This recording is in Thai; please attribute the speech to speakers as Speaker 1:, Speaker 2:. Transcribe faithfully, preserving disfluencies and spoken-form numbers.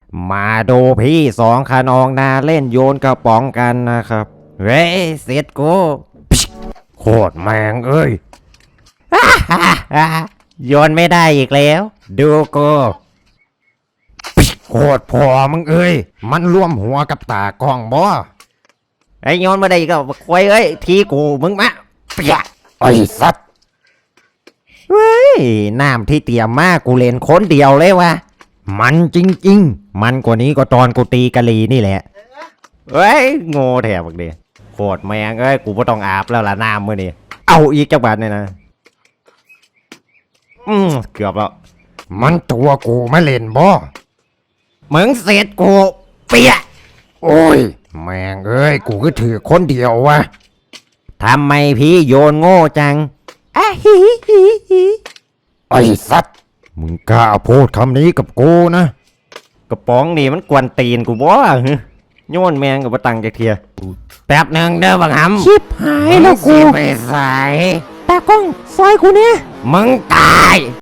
Speaker 1: มาดูพี่สองขนองนาเล่นโยนกระป๋องกันนะครับเฮ้ยเสร็จกูโคตรแมงเอ้ย โยนไม่ได้อีกแล้ว ดูกูโคตรพอมึงเอ้ยมันร่วมหัวกับตากล้องบ่ไอ้โยนมาได้ก็ควายเอ้ยทีกูมึงมาเปียไอ้สัตว์เฮ้ยน้ำที่เตรียมมากูเล่นคนเดียวเลยวะมันจริงๆมันกว่านี้ก็ตอนกูตีกะลีนี่แหละเฮ้ยโง่แถบบักเดียโคตรแมงเอ้ยกูไม่ต้องอาบแล้วล่ะน้ำมื่อนี้เอาอีกจักบาทเนี่ยนะอืมเกือบแล้วมันตัวกูไม่เล่นบ่มึงเสร็จกูเปียโอ้ยแมงเอ้ยกูก็ถือคนเดียววะทำไมพี่โยนโง่จังอะฮิฮิฮิไอ้สัตว์มึงกล้าพูดคำนี้กับกูนะกระป๋องนี่มันกวนตีนกูบ่โยนแมงกับตังจากเทียแป๊บหนึ่งเด้อบังหำชิบหายแล้วกูไปใส่ตากล้องซอยกูเนี่ยมึงตาย